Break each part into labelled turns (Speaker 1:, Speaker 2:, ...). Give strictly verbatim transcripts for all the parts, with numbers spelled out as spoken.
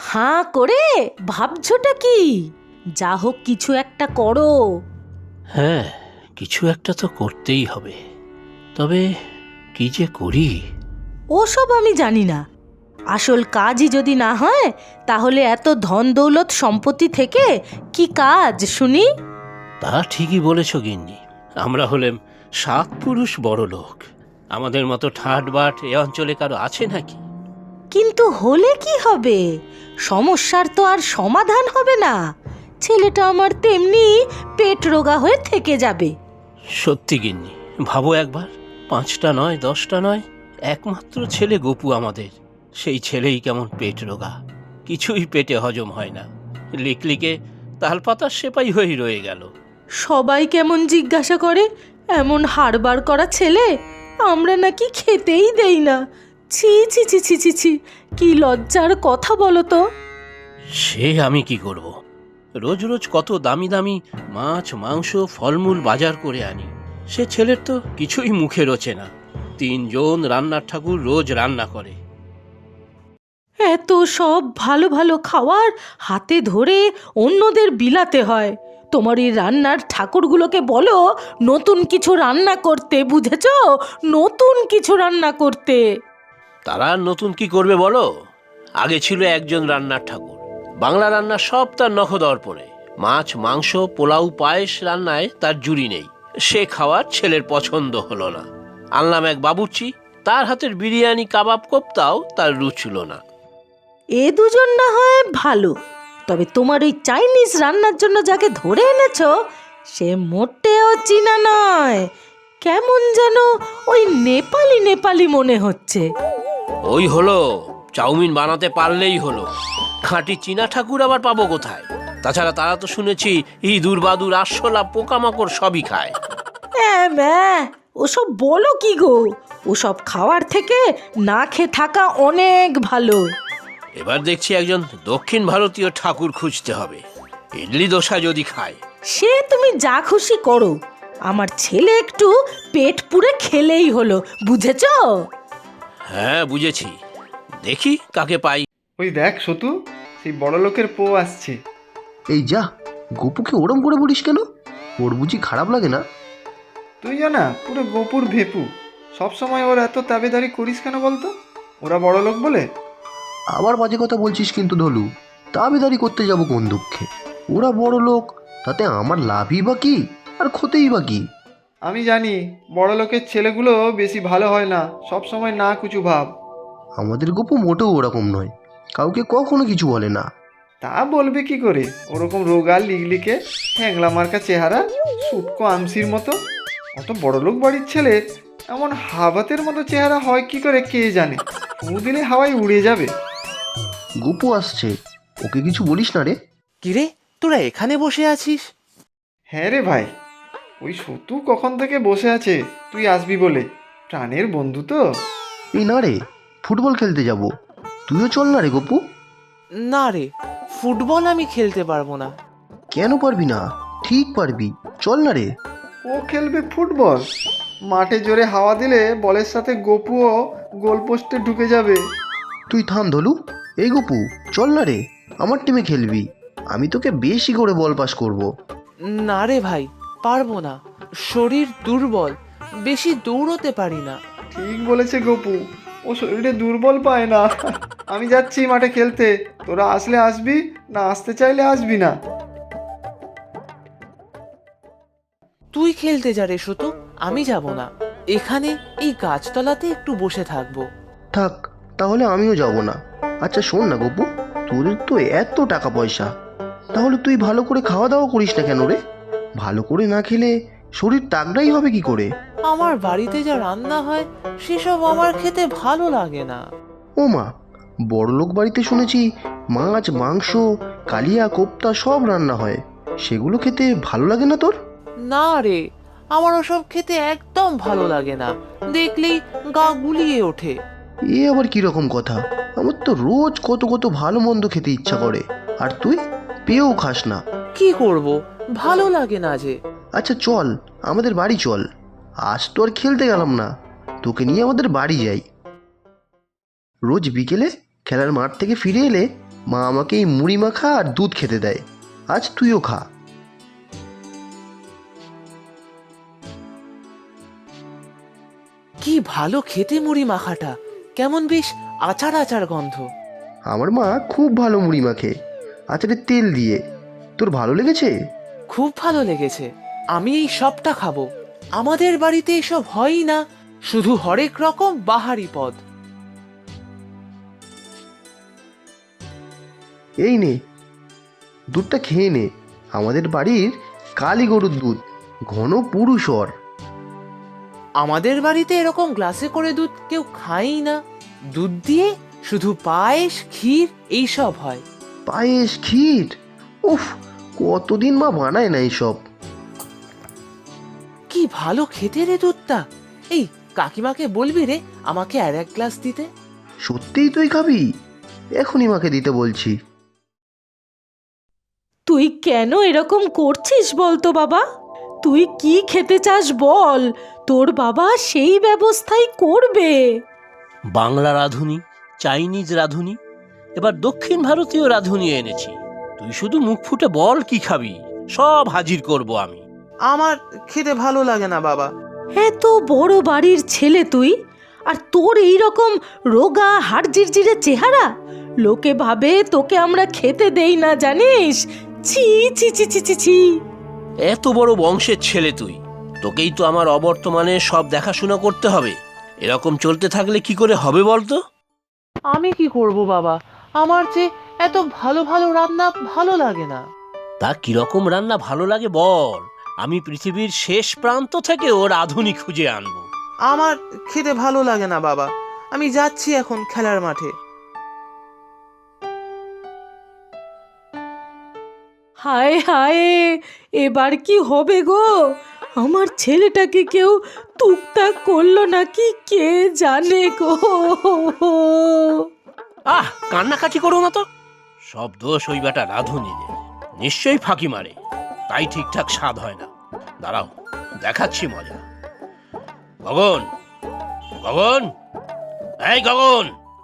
Speaker 1: হাঁ করে ভাবছোটা কি? যা হোক কিছু একটা করো।
Speaker 2: হ্যাঁ, কিছু একটা তো করতেই হবে, তবে কি যে করি।
Speaker 1: ওসব আমি জানি না। আসল কাজই যদি না হয় তাহলে এত ধন দৌলত সম্পত্তি থেকে কি কাজ শুনি?
Speaker 2: তা ঠিকই বলেছ গিন্নি। আমরা হলেম সাত পুরুষ বড় লোক, আমাদের মতো ঠাট বাট এ অঞ্চলে কারো আছে নাকি?
Speaker 1: কিন্তু হলে কি হবে? সমস্যার তো আর সমাধান হবে না। ছেলেটা আমার তেমনি পেট রোগা হয়ে থেকে যাবে।
Speaker 2: সত্যি গিন্নি, ভাবো একবার, পাঁচটা নয় দশটা নয়, একমাত্র ছেলে গপু আমাদের। সেই ছেলেই কেমন পেট রোগা, কিছুই পেটে হজম হয় না, লিকলিকে তালপাতার সেপাই হয়েই রয়ে গেল।
Speaker 1: সবাই কেমন জিজ্ঞাসা করে, এমন হাড়বার করা ছেলে আমরা নাকি খেতেই দেই না। ছি ছি ছি ছি ছি ছি, কি লজ্জার কথা বলো তো।
Speaker 2: সে আমি কি করব, রোজ রোজ কত দামি দামি মাছ মাংস ফলমূল বাজার করে আনি, সে ছেলের তো কিছুই মুখে রোচে না। তিনজন রান্নার ঠাকুর রোজ রান্না করে।
Speaker 1: এত সব ভালো ভালো খাওয়ার হাতে ধরে অন্যদের বিলাতে হয়। তোমার এই রান্নার ঠাকুরগুলোকে বলো নতুন কিছু রান্না করতে, বুঝেছো? নতুন কিছু রান্না করতে।
Speaker 2: তারা আর নতুন কি করবে বলো? আগে ছিল একজন রান্নার ঠাকুর, বাংলা রান্না সব তার নখদর্পণে। মাছ মাংস পোলাও পায়েস রান্নায় তার জুড়ি নেই। সে খাওয়ার ছেলের পছন্দ হলো না, আনলাম এক বাবুর্চি, তার হাতের বিরিয়ানি কাবাব কোপ্তাও তার রুচল না।
Speaker 1: এ দুজন না হয় ভালো, তবে তোমার ওই চাইনিজ রান্নার জন্য যাকে ধরে এনেছো সে মোটেও চীনা নয়, কেমন যেন ওই নেপালি নেপালি মনে হচ্ছে।
Speaker 2: ওই হলো, চাউমিন বানাতে পারলেই হলো, খাঁটি চীনা ঠাকুর আবার পাবো কোথায়? তাছাড়া তারা তো শুনেছি ইঁদুর বাদুর আরশোলা পোকামাকড় সবই খায়।
Speaker 1: হ্যাঁ ম্যাঁ, ওসব বলো কি গো? ওসব খাওয়ার থেকে না খেয়ে থাকা অনেক ভালো।
Speaker 2: এবার দেখছি একজন দক্ষিণ ভারতীয় ঠাকুর খুঁজতে হবে, ইডলি দোসা যদি খায়।
Speaker 1: সে তুমি যা খুশি করো, আমার ছেলে একটু পেট পুরে খেলেই হলো, বুঝেছো?
Speaker 2: হ্যাঁ বুঝেছি, দেখি কাকে পাই।
Speaker 3: ওই দেখ সতু, সেই বড় লোকের পো আসছে।
Speaker 4: এই যা, গপুকে ওরম করে বলিস কেন? ওর বুঝি খারাপ লাগে না?
Speaker 3: তুই জানা পুরো গোপুর ভেপু, সবসময় ওর এত তাবেদারি করিস কেন বলতো? ওরা বড় লোক বলে?
Speaker 4: আবার বাজে কথা বলছিস কিন্তু ধলু। দাবিদারি করতে যাব কোন দুঃখে? ওরা বড় লোক, তাতে আমার লাভই বা কি আর ক্ষতিই বা কি?
Speaker 3: আমি জানি বড় লোকের ছেলেগুলো বেশি ভালো হয় না, সব সময় না কুচু ভাব।
Speaker 4: আমাদের গপু মোটেও ওরকম নয়, কাউকে কখনো কিছু বলে না।
Speaker 3: তা বলবে কি করে? ওরকম রোগা লিগলিকে হ্যাংলা মার্কা চেহারা, সুটকো আমসির মতো। অত বড় লোক বাড়ির ছেলে এমন হাবাতের মতো চেহারা হয় কি করে কে জানে? ফু দিলে হাওয়ায় উড়ে যাবে।
Speaker 4: গপু আসছে, ওকে কিছু বলিস না রে।
Speaker 5: কিরে, তোরা এখানে বসে আছিস?
Speaker 3: হ্যাঁ রে ভাই, ওই সতু কখন থেকে বসে আছে তুই আসবি বলে, প্রাণের বন্ধু তো।
Speaker 4: এই না রে, ফুটবল খেলতে যাব, তুইও চল না রে গপু।
Speaker 5: না রে, ফুটবল আমি খেলতে পারবো না।
Speaker 4: কেন পারবি না? ঠিক পারবি, চল না রে।
Speaker 3: ও খেলবে ফুটবল? মাঠে জোরে হাওয়া দিলে বলের সাথে গপুও গোলপোস্টে ঢুকে যাবে।
Speaker 4: তুই থাম ধলু। এই গপু, চল না রে, আমার টিমে খেলবি, আমি তোকে বেশি করে বল পাস করব।
Speaker 5: না রে ভাই, পারবো না, শরীর দুর্বল, বেশি দৌড়তে পারি না।
Speaker 3: ঠিক বলেছে গপু, ও শরীরে দুর্বল পায় না। আমি যাচ্ছি মাঠে খেলতে, তোরা আসলে আসবি, না আসতে চাইলে আসবি না।
Speaker 5: তুই খেলতে যা রে শুতু, আমি যাব না। এখানে এই গাছতলাতে একটু বসে থাকবো।
Speaker 4: থাক, তাহলে আমিও যাব না। আচ্ছা শোন না গপু, তোদের তো এত টাকা পয়সা, তাহলে তুই ভালো করে খাওয়া দাওয়া করিস না কেন রে? ভালো করে না খেলে শরীর তাগড়াই হবে কি করে?
Speaker 5: আমার বাড়িতে যা রান্না হয় সেসব আমার খেতে ভালো লাগে না।
Speaker 4: ও মা, বড়লোক বাড়িতে শুনেছি মাছ মাংস কালিয়া কোপ্তা সব রান্না হয়, সেগুলো খেতে ভালো লাগে না তোর?
Speaker 5: না রে, আমার ওসব খেতে একদম ভালো লাগে না, দেখলেই গা গুলিয়ে ওঠে।
Speaker 4: এ আবার কিরকম কথা? আমার তো রোজ কত কত ভালো মন্দ খেতে ইচ্ছা করে, আর তুই পেয়েও খাস না।
Speaker 5: কি করব, ভালো লাগে না যে।
Speaker 4: আচ্ছা চল, আমাদের বাড়ি চল। আজ তো আর খেলতে গেলাম না, তোকে নিয়ে আমাদের বাড়ি যাই। রোজ বিকেলে খেলার মাঠ থেকে ফিরে এলে মা আমাকে এই মুড়ি মাখা আর দুধ খেতে দেয়। আজ তুইও খা।
Speaker 5: কি ভালো খেতে মুড়ি মাখাটা, কেমন বেশ আচার আচার গন্ধ।
Speaker 4: আমার মা খুব ভালো মুড়ি মাখে, আচারের তেল দিয়ে। তোর ভালো লেগেছে?
Speaker 5: খুব ভালো লেগেছে, আমি এই সবটা খাবো। আমাদের বাড়িতে এসব হয়ই না, শুধু হরেক রকম বাহারি পদ।
Speaker 4: এই নে, দুধটা খেয়ে নে। আমাদের বাড়ির কালী গরুর দুধ, ঘন পুরুষর।
Speaker 5: আমাদের বাড়িতে এরকম গ্লাসে করে দুধ কেউ খায়ই না। দুধ দিয়ে শুধু পায়েস, ক্ষীর এইসব হয়।
Speaker 4: পায়েস, ক্ষীর, উফ, কতদিন মা বানায় না এইসব।
Speaker 5: কি ভালো খেতে রে দুধটা। এই কাকিমাকে বলবি রে আমাকে আর এক গ্লাস দিতে।
Speaker 4: সত্যিই তুই খাবি? এখনই মাকে দিতে বলছি।
Speaker 1: তুই কেন এরকম করছিস বলতো বাবা? তুই কি খেতে চাস বল, তোর বাবা সেই ব্যবস্থাই করবে।
Speaker 2: বাংলা রাঁধুনি, চাইনিজ রাঁধুনি, এবার দক্ষিণ ভারতীয় রাঁধুনি এনেছি। তুই শুধু মুখ ফুটে বল কি খাবি, সব হাজির করব আমি।
Speaker 5: আমার খেতে ভালো লাগে না বাবা।
Speaker 1: এত বড় বাড়ির ছেলে তুই, আর তোর এই রকম রোগা হাড় জিরজিরে চেহারা। লোকে ভাবে তোকে আমরা খেতে দেই না, জানিস? ছি ছি ছি ছি ছি ছি।
Speaker 2: এত বড় বংশের ছেলে তুই, তোকেই তো আমার অবর্তমানে সব দেখাশোনা করতে হবে। এরকম চলতে থাকলে কি করে হবে বলতো?
Speaker 5: আমি কি করব বাবা, আমার যে এত ভালো ভালো রান্না ভালো লাগে না।
Speaker 2: তা কিরকম রান্না ভালো লাগে বল, আমি পৃথিবীর শেষ প্রান্ত থেকে ওর রাঁধুনি খুঁজে আনবো।
Speaker 5: আমার খেতে ভালো লাগে না বাবা, আমি যাচ্ছি এখন খেলার মাঠে।
Speaker 1: হায় হায়, এবার কি হবে গো? আমার ছেলেটাকে কেউ টুকটাক করলো নাকি কে জানে গো।
Speaker 2: আহ, কান্নাকাটি করো না তো। সব দোষ ওই বেটা রাঁধুনিদের, নিশ্চয়ই ফাঁকি মারে, তাই ঠিকঠাক স্বাদ হয় না। দাঁড়াও, দেখাচ্ছি মজা। গগন, গগন, এই গগন।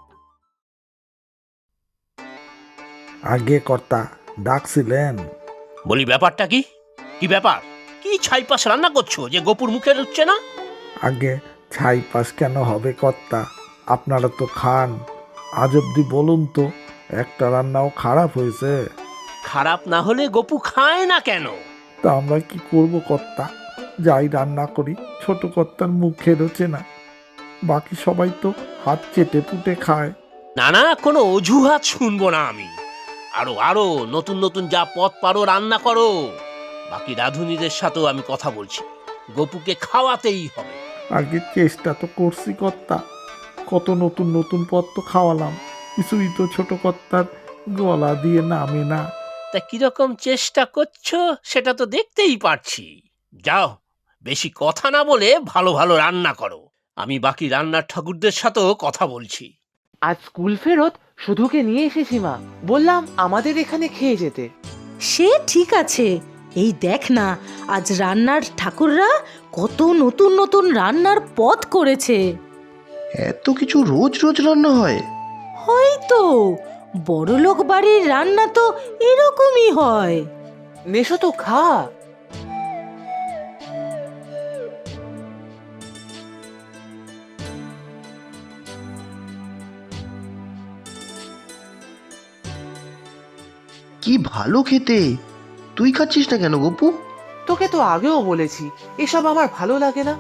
Speaker 6: আগে কর্তা ডাকছিলেন?
Speaker 2: বলি ব্যাপারটা কি? কি ব্যাপার? কি ছাইপাশ রান্না করছো যে গোপুর মুখে রুচ্ছে না?
Speaker 6: আগে ছাই পাশ কেন হবে কর্তা, আপনারা তো খান। আজ অব্দি বলুন তো একটা রান্নাও খারাপ হয়েছে?
Speaker 2: খারাপ না হলে গোপু খায় না কেন?
Speaker 6: তা আমরা কি করব কর্তা, যাই রান্না করি ছোট কর্তার মুখে রোচে না। বাকি সবাই তো হাত চেটে পুটে খায়।
Speaker 2: না না, কোনো অজুহাত শুনবো না আমি। আরো আরো নতুন নতুন যা পদ পারো রান্না করো। বাকি রাঁধুনিদের সাথেও আমি কথা বলছি, গোপুকে খাওয়াতেই হবে।
Speaker 6: আগে চেষ্টা তো করছি কর্তা, কত নতুন নতুন পদ তো খাওয়ালাম, কিছুই তো ছোট কর্তার গলা দিয়ে নামে না।
Speaker 2: তা কিরকম চেষ্টা করছো সেটা তো দেখতেই পারছি। যাও, বেশি কথা না বলে ভালো ভালো রান্না করো। আমি বাকি রান্নার ঠাকুরদের সাথেও কথা বলছি।
Speaker 5: আজ স্কুল ফেরত শুধুকে নিয়ে এসেছি মা, বললাম আমাদের এখানে খেয়ে যেতে।
Speaker 1: সে ঠিক আছে, এই দেখ না আজ রান্নার ঠাকুররা কত নতুন নতুন রান্নার পদ করেছে।
Speaker 4: এত কিছু রোজ রোজ রান্না হয়?
Speaker 1: হয়তো বড়লোক বাড়ির রান্না তো এরকমই হয়।
Speaker 5: নেশো তো খা।
Speaker 4: কি ভালো খেতে। তুই খাচ্ছিস না কেন গপু?
Speaker 5: তোকে তো আগেও বলেছি এসব আমার ভালো লাগে না।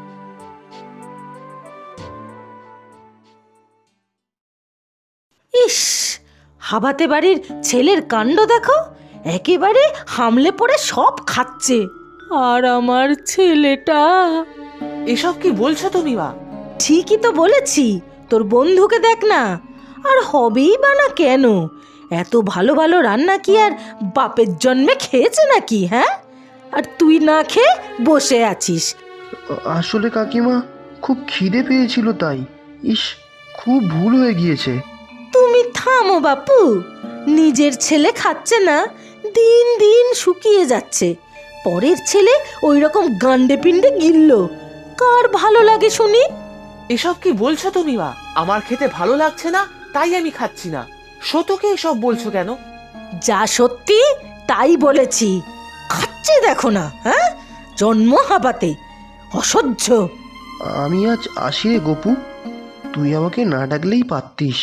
Speaker 1: ইস, হাবাতে বাড়ির ছেলের কাণ্ড দেখো, একেবারে হামলে পড়ে সব খাচ্ছে। আর আমার ছেলেটা।
Speaker 5: এসব কি বলছো তুমি মা?
Speaker 1: ঠিকই তো বলেছি, তোর বন্ধুকে দেখ না। আর হবেই বা না কেন? এত ভালো ভালো রান্না কি আর বাপের জন্মে খেয়েছে নাকি? হ্যাঁ, আর তুই না খেয়ে বসে আছিস।
Speaker 4: আসলে কাকিমা খুব খিদে পেয়েছিল তাই। ইস, খুব ভুল হয়ে গিয়েছে।
Speaker 1: তুমি থামো বাপু, নিজের ছেলে খাচ্ছে না, দিন দিন শুকিয়ে যাচ্ছে, পরের ছেলে ওই রকম গান্ডে পিণ্ডে গিলল, কার ভালো লাগে শুনি?
Speaker 5: এসব কি বলছো তুমি মা? আমার খেতে ভালো লাগছে না তাই আমি খাচ্ছি না, শতকে এসব বলছো কেন?
Speaker 1: যা সত্যি তাই বলেছি। খাচ্ছে দেখো না, হ্যাঁ, জন্ম হাবাতে, অসহ্য।
Speaker 4: আমি আজ আসি রে গপু, তুই আমাকে না ডাকলেই পারতিস।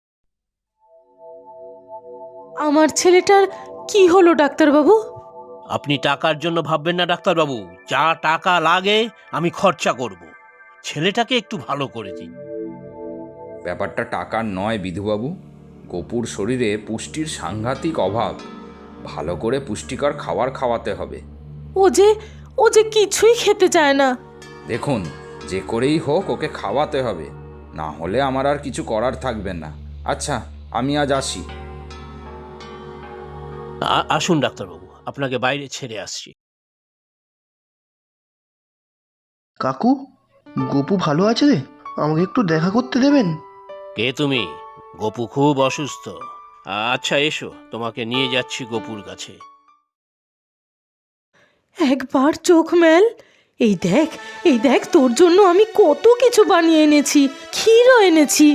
Speaker 1: আমার ছেলেটার কি হলো ডাক্তারবাবু?
Speaker 2: আপনি টাকার জন্য ভাববেন না ডাক্তারবাবু, যা টাকা লাগে আমি খরচা করব। ছেলেটাকে একটু ভালো করে দিন।
Speaker 7: ব্যাপারটা টাকার নয় বিধুবাবু, গপুর শরীরে পুষ্টির সাংঘাতিক অভাব। ভালো করে পুষ্টিকর খাবার খাওয়াতে হবে।
Speaker 1: ও যে ও যে কিছুই খেতে চায় না।
Speaker 7: দেখুন, যে করেই হোক ওকে খাওয়াতে হবে, না হলে আমার আর কিছু করার থাকবে না। আচ্ছা, আমি আজ আসি।
Speaker 2: আ- আসুন ডাক্তারবাবু, আপনাকে বাইরে ছেড়ে আসছি।
Speaker 4: কাকু, গপু ভালো আছে রে? আমাকে একটু দেখা করতে দেবেন?
Speaker 2: কে তুমি? গপু খুব অসুস্থ। আচ্ছা এসো, তোমাকে নিয়ে যাচ্ছি গপুর কাছে।
Speaker 1: একবার চোখ মেল, এই দেখ, এই দেখ, তোর জন্য আমি কত কিছু বানিয়ে এনেছি, ক্ষীরও এনেছি।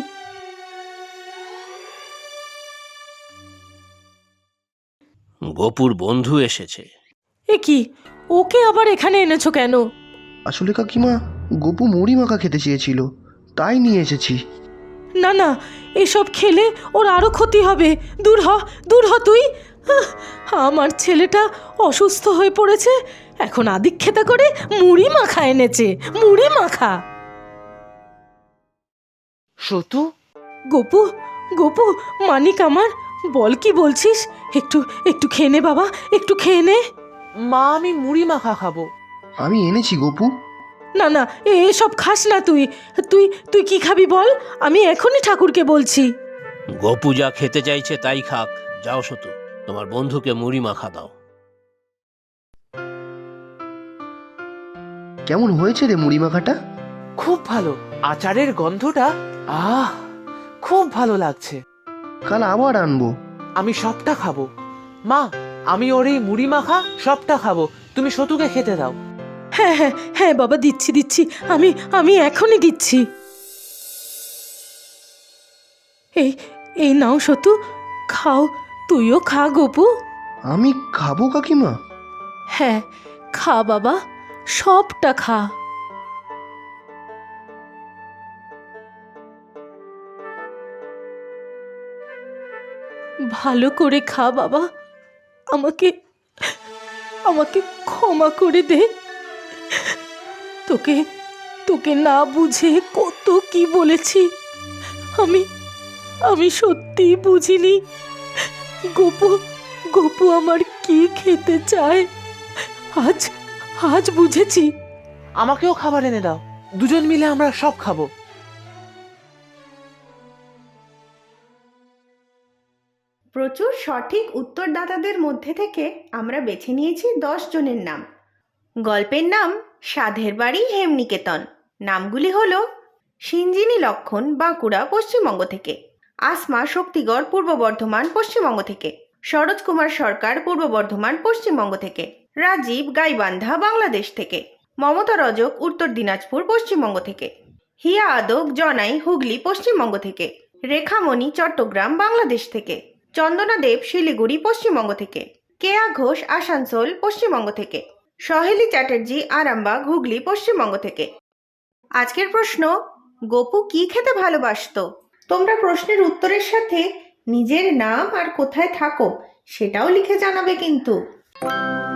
Speaker 2: গপুর বন্ধু এসেছে।
Speaker 1: এ কি, ওকে আবার এখানে এনেছো কেন?
Speaker 4: আসলে কাকিমা, গপু মুড়ি মাখা খেতে চেয়েছিল, তাই নিয়ে এসেছি।
Speaker 1: না না, এসব খেলে ওর আরো ক্ষতি হবে। দূর হ, দূর হ তুই। আহ, আমার ছেলেটা অসুস্থ হয়ে পড়েছে, এখন আদিক্ষেতা করে মুড়ি মাখা এনেছে, মুড়ি মাখা।
Speaker 5: সতু,
Speaker 1: গোপু, গোপু, মানিক আমার, বল কি বলছিস? একটু একটু খেয়ে নে বাবা, একটু খেয়ে নে।
Speaker 5: মা আমি মুড়ি মাখা খাবো।
Speaker 4: আমি এনেছি গপু।
Speaker 1: না না, এ- এসব খাস না তুই। তুই তুই কি খাবি বল, আমি এখনই ঠাকুরকে বলছি।
Speaker 2: গপু যা খেতে চাইছে তাই খাক। যাও সতু, তোমার বন্ধুকে মুড়ি মাখা দাও।
Speaker 4: কেমন হয়েছে রে মুড়ি মাখাটা?
Speaker 5: খুব ভালো, আচারের গন্ধটা, আহ, খুব ভালো লাগছে।
Speaker 4: কাল আবার আনবো।
Speaker 5: আমি সবটা খাবো। মা, আমি ওর এই মুড়ি মাখা সবটা খাবো, তুমি সতুকে খেতে দাও।
Speaker 1: হ্যাঁ হ্যাঁ হ্যাঁ বাবা, দিচ্ছি দিচ্ছি, আমি আমি এখনই দিচ্ছি। এই এই নাও সতু, খাও, তুইও খা গোপু।
Speaker 4: আমি খাবো কাকিমা?
Speaker 1: হ্যাঁ, খা বাবা, সবটা খা। ভালো করে খা বাবা, আমাকে আমাকে ক্ষমা করে দে। তোকে তোকে না বুঝে কত কি বলেছি। আমি আমি সত্যিই বুঝিনি গোপু গোপু আমার কি খেতে চায়। আজ আজ বুঝেছি।
Speaker 5: আমাকেও খাবার এনে দাও, দুজন মিলে আমরা সব খাবো।
Speaker 8: প্রচুর সঠিক উত্তরদাতাদের মধ্যে থেকে আমরা বেছে নিয়েছি দশ জনের নাম। গল্পের নাম সাধের বাড়ি হেমনিকেতন। নামগুলি হল সিঞ্জিনী লক্ষণ, বাঁকুড়া, পশ্চিমবঙ্গ থেকে; আসমা শক্তিগড়, পূর্ব বর্ধমান, পশ্চিমবঙ্গ থেকে; সরোজ কুমার সরকার, পূর্ব বর্ধমান, পশ্চিমবঙ্গ থেকে; রাজীব গাইবান্ধা, বাংলাদেশ থেকে; মমতা রজক, উত্তর দিনাজপুর, পশ্চিমবঙ্গ থেকে; হিয়া আদক, জনাই, হুগলি, পশ্চিমবঙ্গ থেকে; রেখামণি, চট্টগ্রাম, বাংলাদেশ থেকে; চন্দনা দেব, শিলিগুড়ি, পশ্চিমবঙ্গ থেকে; কেয়া ঘোষ, আসানসোল, পশ্চিমবঙ্গ থেকে; সহেলি চ্যাটার্জি, আরামবাগ, হুগলি, পশ্চিমবঙ্গ থেকে। আজকের প্রশ্ন, গপু কি খেতে ভালোবাসতো? তোমরা প্রশ্নের উত্তরের সাথে নিজের নাম আর কোথায় থাকো সেটাও লিখে জানাবে কিন্তু।